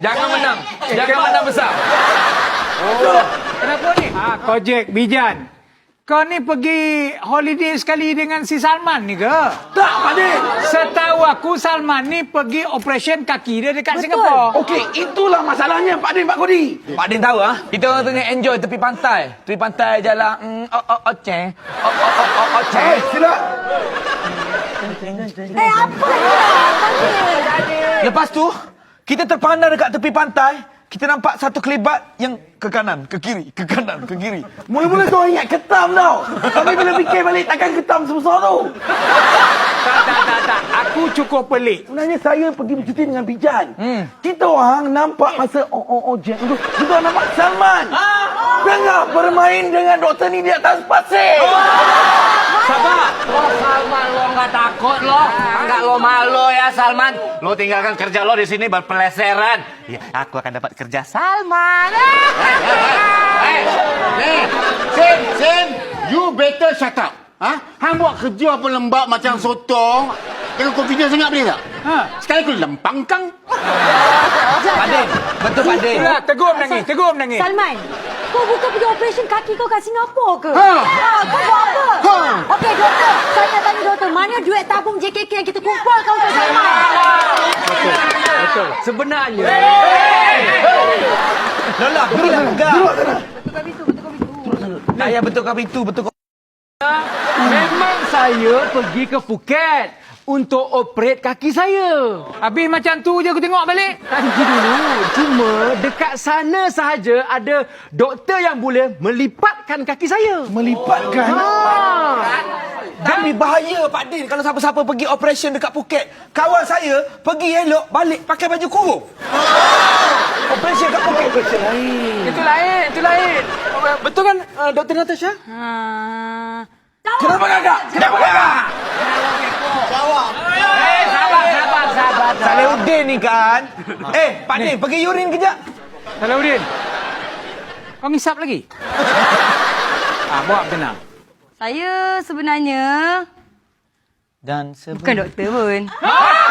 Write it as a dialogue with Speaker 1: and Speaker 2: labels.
Speaker 1: Jangan menang. Jangan menang besar.
Speaker 2: Kenapa ni? Kojek, Bijan. Kau ni pergi holiday sekali dengan si Salman ni ke?
Speaker 3: Tak, Pak Din.
Speaker 2: Setahu aku Salman ni pergi operation kaki dia dekat Singapura.
Speaker 3: Okey, itulah masalahnya Pak Din, Pak Kodi.
Speaker 1: Pak Din tahu kita orang tengah enjoy tepi pantai. Tepi pantai jalan Oceh. Oceh.
Speaker 3: Sila.
Speaker 4: Apa ni?
Speaker 1: Lepas tu, kita terpandang dekat tepi pantai. Kita nampak satu kelibat yang ke kanan, ke kiri, ke kanan, ke kiri.
Speaker 3: Mula-mula kau ingat ketam tau. Tapi bila fikir balik takkan ketam sebesar tu.
Speaker 2: Tak. Aku cukup pelik.
Speaker 3: Sebenarnya saya pergi bercuti dengan Bijan. Kita orang nampak masa Jack tu, kita orang nampak Salman. Tengah bermain dengan doktor ni di atas pasir.
Speaker 5: Sabar. Salman, lo nggak takut lo? Nggak lo malu ya Salman? Lo tinggalkan kerja lo di sini berpeleseran. Ya, aku akan dapat kerja Salman.
Speaker 6: Nih, Sin, you better shut up. Hang buat kerja apa lembab macam sotong. Jangan confident sangat boleh tak? Sekali aku lempang kang.
Speaker 1: Pak Din, betul Pak Din.
Speaker 2: Tegur menangis.
Speaker 4: Salman, kau bukan pergi operation kaki kau kat Singapura ke? Kau buat apa? Okey, doktor. Saya nak tanya doktor, mana duit tabung JKK yang kita kumpulkan untuk Salman?
Speaker 2: Betul. Sebenarnya.
Speaker 1: Lola, pergilah pegang.
Speaker 4: Betulkan pintu.
Speaker 1: Tak payah betulkan pintu, betulkan.
Speaker 2: Memang saya pergi ke Phuket untuk operate kaki saya. Habis macam tu je aku tengok balik. Nanti dulu. Cuma dekat sana sahaja ada doktor yang boleh melipatkan kaki saya.
Speaker 3: Melipatkan.
Speaker 1: Tapi bahaya Pak Din kalau siapa-siapa pergi operation dekat Phuket. Kawan saya pergi elok balik pakai baju kurung. Operation kat Phuket.
Speaker 2: Itu lain. Betul kan Dr. Natasha?
Speaker 3: Kenapa kakak?
Speaker 5: Sabar.
Speaker 1: Salahuddin ni kan. Pak Din pergi urin kejap.
Speaker 2: Salahuddin. Kau ngisap lagi? Buat tenang.
Speaker 4: Saya sebenarnya
Speaker 1: Dan
Speaker 4: bukan doktor pun.